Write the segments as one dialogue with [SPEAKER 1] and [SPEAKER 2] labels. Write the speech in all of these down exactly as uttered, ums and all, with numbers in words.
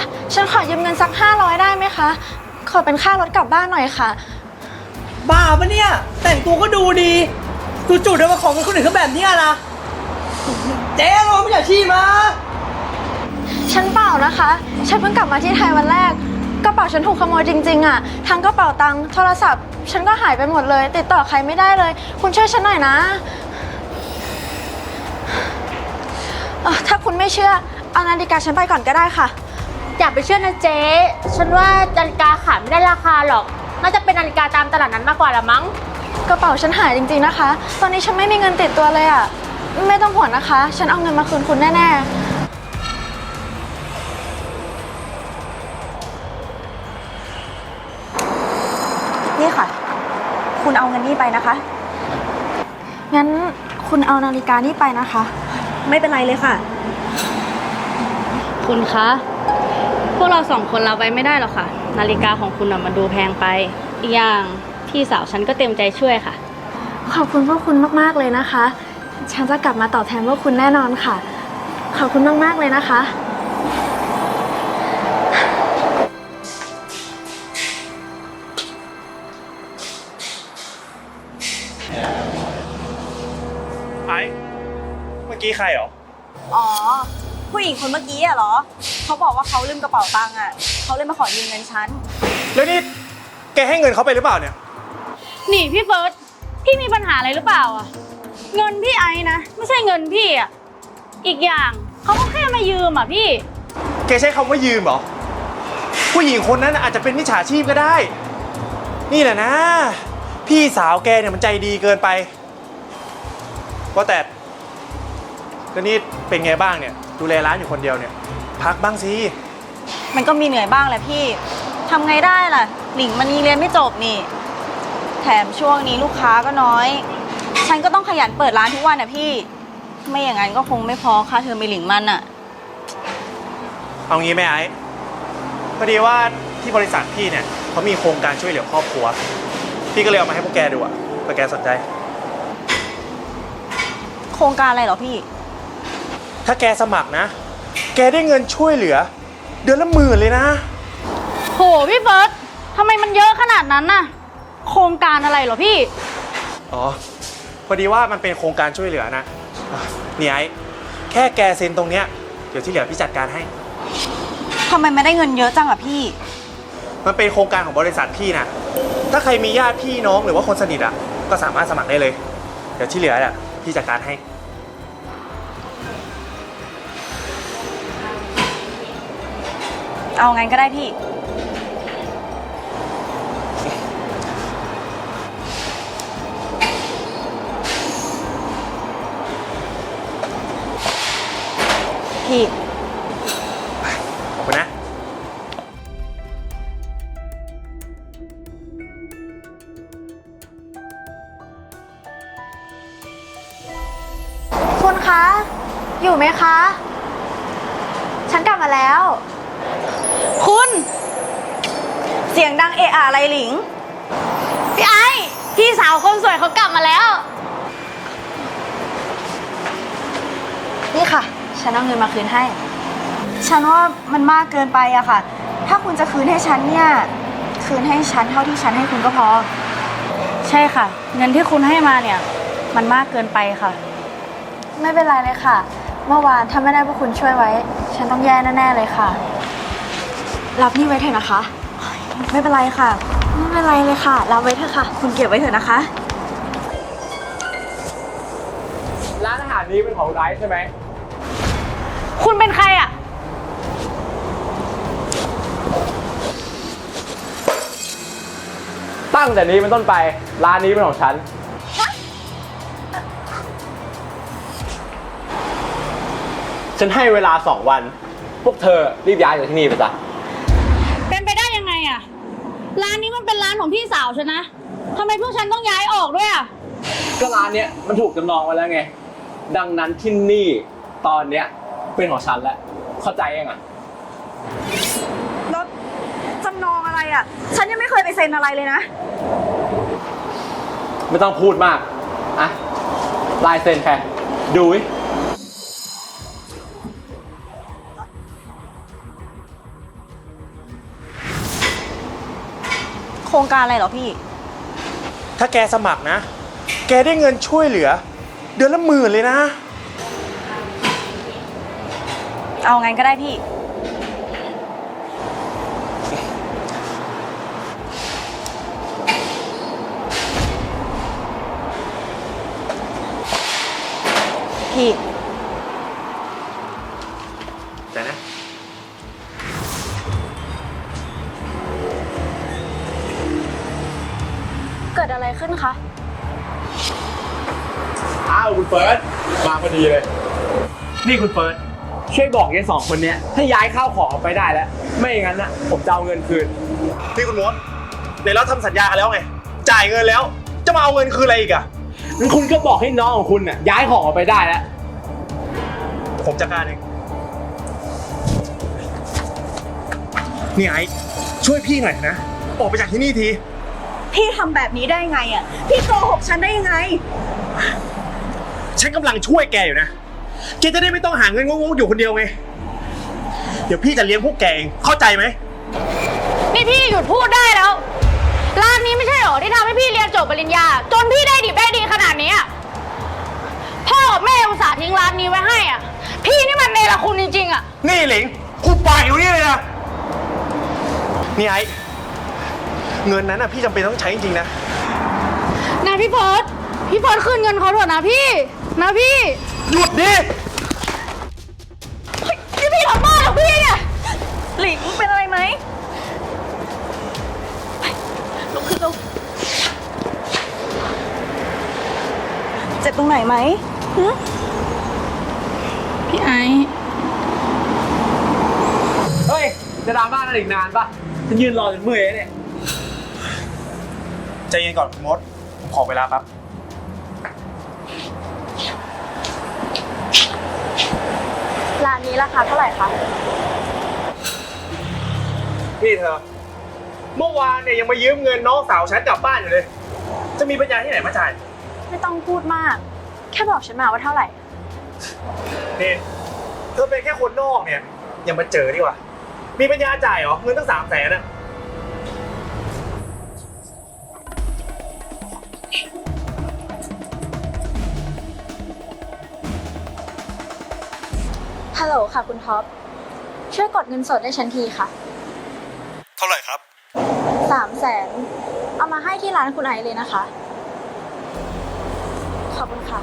[SPEAKER 1] ฉันขอยืมเงินสักห้าร้อยได้ไหมคะขอเป็นค่ารถกลับบ้านหน่อยค่ะ
[SPEAKER 2] บ้าปะเนี่ยแต่งตัวก็ดูดีจู่ๆเดินมาขอเงินคนอื่นเขาแบบนี้นะเจ๊เราไม่อยากชี้มา
[SPEAKER 1] ฉันเปล่านะคะฉันเพิ่งกลับมาที่ไทยวันแรกกระเป๋าฉันถูกขโมยจริงๆอะทั้งกระเป๋าตังค์โทรศัพท์ฉันก็หายไปหมดเลยติดต่อใครไม่ได้เลยคุณช่วยฉันหน่อยนะถ้าคุณไม่เชื่อเอานาฬิกาฉันไปก่อนก็ได้ค่ะ
[SPEAKER 3] อย่าไปเชื่อนะเจ๊ฉันว่านาฬิกาขายไม่ได้ราคาหรอกน่าจะเป็นนาฬิกาตามตลาดนั้นมากกว่าละมั้ง
[SPEAKER 1] กระเป๋าฉันหายจริงๆนะคะตอนนี้ฉันไม่มีเงินติดตัวเลยอ่ะไม่ต้องห่วงนะคะฉันเอาเงินมาคืนคุณแน่ๆนี่ค่ะคุณเอาเงินนี่ไปนะคะงั้นคุณเอานาฬิกานี่ไปนะคะไม่เป็นไรเลยค่ะ
[SPEAKER 4] คุณคะพวกเราสองคนรับไว้ไม่ได้หรอกค่ะนาฬิกาของคุณมันดูแพงไปอีกอย่างพี่สาวฉันก็เต็มใจช่วยค่ะ
[SPEAKER 1] ขอบคุณพวกคุณมากๆเลยนะคะฉันจะกลับมาตอบแทนพวกคุณแน่นอนค่ะขอบคุณมากๆเลยนะคะ
[SPEAKER 5] ไอ้เมื่อกี้ใครเหรอ
[SPEAKER 6] อ๋อผู้หญิงคนเมื่อกี้อะเหรอเขาบอกว่าเขาลืมกระเป๋าตังค์อะเขาเลยมาขอยืมเงินฉัน
[SPEAKER 5] แล้วนี่แกให้เงินเขาไปหรือเปล่าเนี่ย
[SPEAKER 4] นี่พี่เฟิร์สพี่มีปัญหาอะไรหรือเปล่าอ่ะเงินพี่ไอ้นะไม่ใช่เงินพี่อ่ะอีกอย่างเขาก็แค่มายืมอ่ะพี่
[SPEAKER 5] แกใช้คำว่ายืมเหรอผู้หญิงคนนั้นอาจจะเป็นมิจฉาชีพก็ได้นี่แหละนะพี่สาวแกเนี่ยมันใจดีเกินไปว่าแต่แล้วนี่เป็นไงบ้างเนี่ยดูแลร้านอยู่คนเดียวเนี่ยพักบ้างสิ
[SPEAKER 6] มันก็มีเหนื่อยบ้างแหละพี่ทำไงได้ล่ะหลิงมันยังเรียนไม่จบนี่แถมช่วงนี้ลูกค้าก็น้อยฉันก็ต้องขยันเปิดร้านทุกวันนะพี่ไม่อย่างนั้นก็คงไม่พอค่าเทอมไปหลิงมันอะ
[SPEAKER 5] เอางี้ไหมไอ้พอดีว่าที่บริษัทพี่เนี่ยเขามีโครงการช่วยเหลือครอบครัวพี่ก็เลยเอามาให้พวกแกดูอะเผื่อแกสนใจ
[SPEAKER 6] โครงการอะไรเหรอพี่
[SPEAKER 5] ถ้าแกสมัครนะแกได้เงินช่วยเหลือเดือนละหมื่นเลยนะ
[SPEAKER 4] โหพี่เฟิร์สทำไมมันเยอะขนาดนั้นน่ะโครงการอะไรเหรอพี่
[SPEAKER 5] อ๋อพอดีว่ามันเป็นโครงการช่วยเหลือนะเนี่ยไอ้แค่แกเซ็นตรงเนี้ยเดี๋ยวที่เหลือพี่จัดการให้
[SPEAKER 6] ทำไมไม่ได้เงินเยอะจังอะพี่
[SPEAKER 5] มันเป็นโครงการของบริษัทพี่นะถ้าใครมีญาติพี่น้องหรือว่าคนสนิทอ่ะก็สามารถสมัครได้เลยเดี๋ยวที่เหลืออ่ะพี่จัดการให้
[SPEAKER 6] เอางั้นก็ได้พี่พี่
[SPEAKER 5] ขอบคุณนะ
[SPEAKER 1] คุณคะอยู่ไหมคะฉันกลับมาแล้ว
[SPEAKER 6] คุณเสียงดังเอะอะอะไรหลิง
[SPEAKER 4] พี่ไอ้พี่สาวคนสวยเขากลับมาแล้ว
[SPEAKER 1] นี่ค่ะฉันเอาเงินมาคืนให้
[SPEAKER 6] ฉันว่ามันมากเกินไปอะค่ะถ้าคุณจะคืนให้ฉันเนี่ยคืนให้ฉันเท่าที่ฉันให้คุณก็พอ
[SPEAKER 4] ใช่ค่ะเงินที่คุณให้มาเนี่ยมันมากเกินไปค่ะ
[SPEAKER 1] ไม่เป็นไรเลยค่ะเมื่อวานถ้าไม่ได้พวกคุณช่วยไว้ฉันต้องแย่แน่ๆเลยค่ะรับนี่ไว้เถอะนะคะ
[SPEAKER 6] ไม่เป็นไรค่ะ
[SPEAKER 1] ไม่เป็นไรเลยค่ะรับไว้เถอะค่ะ
[SPEAKER 6] คุณเก็บไว้เถอะนะคะ
[SPEAKER 7] ร้านอาหารนี้เป็นของไร้ใช่ไหม
[SPEAKER 4] คุณเป็นใครอ่ะ
[SPEAKER 7] ตั้งแต่นี้เป็นต้นไปร้านนี้เป็นของฉันฉันให้เวลาสองวันพวกเธอรีบย้ายจากที่นี่ไปจ้ะ
[SPEAKER 4] เป็นไปได้ยังไงอ่ะร้านนี้มันเป็นร้านของพี่สาวฉันนะทำไมพวกฉันต้องย้ายออกด้วยอ่ะ
[SPEAKER 7] ก็ร้านเนี้ยมันถูกจำนองไว้แล้วไงดังนั้นที่นี่ตอนเนี้ยเป็นของฉันแล้วเข้าใจยังอ่ะ
[SPEAKER 6] แล้วจำนองอะไรอ่ะฉันยังไม่เคยไปเซ็นอะไรเลยนะ
[SPEAKER 7] ไม่ต้องพูดมากอ่ะลายเซ็นแค่ดูวิ
[SPEAKER 6] รงการอะไรเหรอพี่
[SPEAKER 5] ถ้าแกสมัครนะ แกได้เงินช่วยเหลือ เดือนละหมื่นเลยนะ
[SPEAKER 6] เอางั้นก็ได้พี่ พี่
[SPEAKER 5] แต่นะ
[SPEAKER 1] เกิดอะไรขึ้นคะ
[SPEAKER 7] อ้าวคุณเฟิร์สมาพอดีเลย นี่คุณเฟิร์สช่วยบอกยายสองคนเนี้ยให้ย้ายข้าวของออกไปได้แล้ว ไม่อย่างนั้นนะผมจะเอาเงินคืน
[SPEAKER 5] พี่คุณมดในเราทำสัญญากันแล้วไง จ่ายเงินแล้ว จะมาเอาเงินคืนอะไรอีกอะ
[SPEAKER 7] งั้นคุณก็บอกให้น้องของคุณน่ะย้ายของออกไปได้แล้ว
[SPEAKER 5] ผมจัดการเอง นี่ไอ้ช่วยพี่หน่อยนะ ออกไปจากที่นี่ที
[SPEAKER 6] พี่ทำแบบนี้ได้ไงอ่ะ พี่โกหกฉันได้ยังไง
[SPEAKER 5] ฉันกำลังช่วยแกอยู่นะ แกจะได้ไม่ต้องหาเงินงงๆอยู่คนเดียวไง เดี๋ยวพี่จะเลี้ยงพวกแกเอง เข้าใจไหม
[SPEAKER 4] นี่พี่หยุดพูดได้แล้ว ร้านนี้ไม่ใช่หรอที่ทำให้พี่เรียนจบปริญญา จนพี่ได้ดิบได้ดีขนาดนี้อะพ่อกับแม่อุตส่าห์ทิ้งร้านนี้ไว้ให้อ่ะ พี่นี่มันเนรคุณจริงๆอ่ะ
[SPEAKER 5] นี่หลิงกูปล่อยอยู่นี่เลยนะ นี่ไอ้เงินนั้นน่ะพี่จำเป็นต้องใช้จริงๆนะ
[SPEAKER 4] นะพี่เฟิร์สพี่เฟิร์สคืนเงินเขาเถอะนะพี่ นะพี่
[SPEAKER 5] หยุดดิ
[SPEAKER 4] นี่พี่ทำบ้าเหรอพี่เนี่ย
[SPEAKER 6] หลิงเป็นอะไรไหมไปลุกขึ้นลุกเจ็บตรงไหนไหมหึ
[SPEAKER 4] พี่ไอ
[SPEAKER 7] เฮ้ย จะดราม่ากันอีกนานปะฉันยืนรอจนเมื่อยแล้วเนี่ย
[SPEAKER 5] ใจเย็นก่อนคุณมด ผมขอเวลาแป๊บ
[SPEAKER 1] ร้านนี้ราคาเท่าไหร่คะ
[SPEAKER 5] นี่เธอ เมื่อวานเนี่ยยังมายืมเงินน้องสาวฉันกลับบ้านอยู่เลย จะมีปัญญาที่ไหนมาจ่าย
[SPEAKER 1] ไม่ต้องพูดมาก แค่บอกฉันมาว่าเท่าไหร่
[SPEAKER 5] นี่เธอเป็นแค่คนนอกเนี่ยอย่ามาเจอดีกว่า มีปัญญาจ่ายเหรอ เงินตั้งสามแสนอะ
[SPEAKER 1] ฮัลโหลค่ะคุณท็อป ช่วยกดเงินสดให้ฉันทีค่ะ
[SPEAKER 5] เท่าไหร่ครับ
[SPEAKER 1] สามแสน เอามาให้ที่ร้านคุณไอซ์เลยนะคะ ขอบคุณค่ะ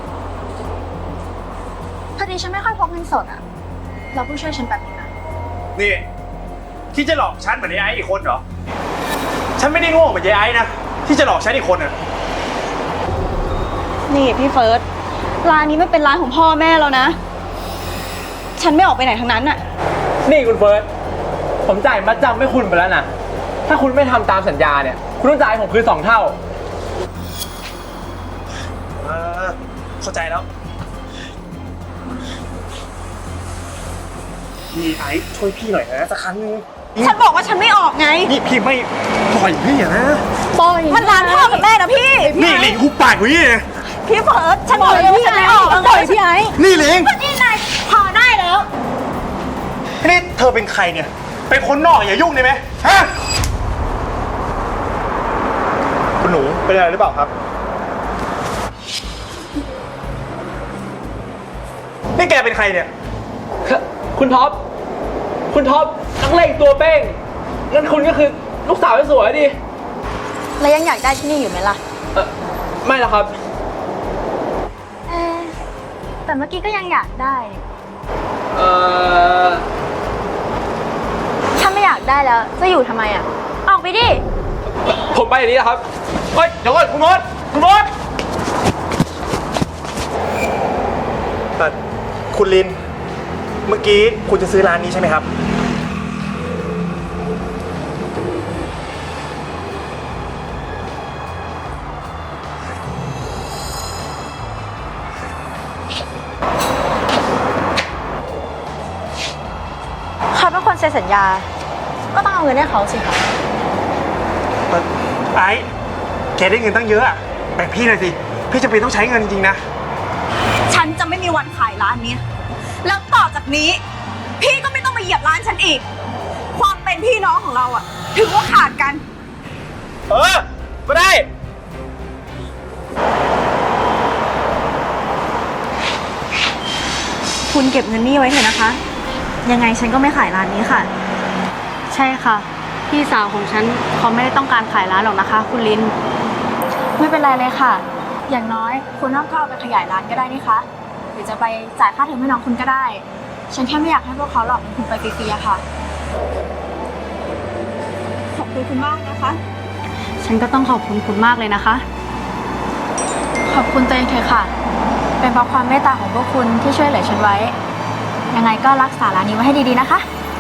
[SPEAKER 1] พอดีฉันไม่ค่อยพกเงินสดอะเราเพิ่งช่วยฉันแบบนี้นะ
[SPEAKER 5] นี่ที่จะหลอกฉันเหมือนไอ้ไอ้อีกคนเหรอ ฉันไม่ได้โง่เหมือนไอ้ไอ้นะ ที่จะหลอกฉันอีกคนอะ
[SPEAKER 6] นี่พี่เฟิร์ส ร้านนี้ไม่เป็นร้านของพ่อแม่แล้วนะ ฉันไม่ออกไปไหนทั้งนั้นอ่ะ
[SPEAKER 7] นี่คุณเฟิร์ส ผมจ่ายมัดจำให้คุณไปแล้วนะ ถ้าคุณไม่ทำตามสัญญาเนี่ย คุณต้องจ่ายให้ผมคืนสองเท่า
[SPEAKER 5] เออเข้าใจแล้ว นี่ไอ้ช่วยพี่หน่อยนะสักครั้งนึง
[SPEAKER 6] ฉันบอกว่าฉันไม่ออกไง
[SPEAKER 5] นี่พี่ไม่ปล่อยพี่อะนะ
[SPEAKER 4] ปล่อย
[SPEAKER 6] มันร้านพ่อกับแม่นะพี่
[SPEAKER 5] นี่หลิงกูปากกูนี่นะ
[SPEAKER 6] พี่เฟิร์ส ฉันบอกเลยว่าฉันไม่ออก
[SPEAKER 4] ปล่อยพี่ไอ
[SPEAKER 5] นี่หลิง
[SPEAKER 6] นี่นายพอได้แล้ว
[SPEAKER 5] นี่เธอเป็นใครเนี่ย เป็นคนนอกอย่ายุ่งได้ไหมฮะ คุณหนูเป็นอะไรหรือเปล่าครับ นี่แกเป็นใครเนี่ย
[SPEAKER 7] คุณท็อป คุณท็อปนักเลงตัวเป้งงั้นคุณก็คือลูกสาวที่สวยดิ
[SPEAKER 1] แล้วยังอยากได้ที่นี่อยู่ไหมล่ะ
[SPEAKER 7] เออไม่หรอกครับ
[SPEAKER 1] เอ๊ะแต่เมื่อกี้ก็ยังอยากได้
[SPEAKER 7] เออ
[SPEAKER 1] ถ้าไม่อยากได้แล้ว จะอยู่ทำไมอ่ะ ออกไปดิ
[SPEAKER 7] ผมไปอย่างนี้นะครับ เฮ้ย เดี๋ยวก่อนคุณมดคุณมด
[SPEAKER 5] แต่คุณลิน เมื่อกี้คุณจะซื้อร้านนี้ใช่ไหมครับ
[SPEAKER 1] เขาเป็นคนเซ็นสัญญา ก็ต้องเอาเงินให้เขาสิคะ
[SPEAKER 5] ไอ้แกได้เงินตั้งเยอะอะแบ่งพี่หน่อยสิ พี่จะเป็นต้องใช้เงินจริงๆนะ
[SPEAKER 6] ฉันจะไม่มีวันขายร้านนี้ แล้วต่อจากนี้ พี่ก็ไม่ต้องมาเหยียบร้านฉันอีก ความเป็นพี่น้องของเราอะถือว่าขาดกัน
[SPEAKER 5] เออ ก็ได้
[SPEAKER 6] คุณเก็บเงินนี่ไว้เถอะนะคะ ยังไงฉันก็ไม่ขายร้านนี้ค่ะ
[SPEAKER 4] ใช่ค่ะ พี่สาวของฉันเขาไม่ได้ต้องการขายร้านหรอกนะคะ คุณลิน
[SPEAKER 1] ไม่เป็นไรเลยค่ะ อย่างน้อยคุณน้องก็เอาไปขยายร้านก็ได้นี่คะหรือจะไปจ่ายค่าเทอมให้น้องคุณก็ได้ ฉันแค่ไม่อยากให้พวกเขาหลอกเงินคุณไปฟรีๆอะค่ะ
[SPEAKER 6] ขอบคุณคุณมากนะคะ
[SPEAKER 4] ฉันก็ต้องขอบคุณคุณมากเลยนะคะ
[SPEAKER 1] ขอบคุณตัวเองเถอะค่ะ เป็นเพราะความเมตตาของพวกคุณที่ช่วยเหลือฉันไว้ ยังไงก็รักษาร้านนี้ไว้ให้ดีๆนะคะ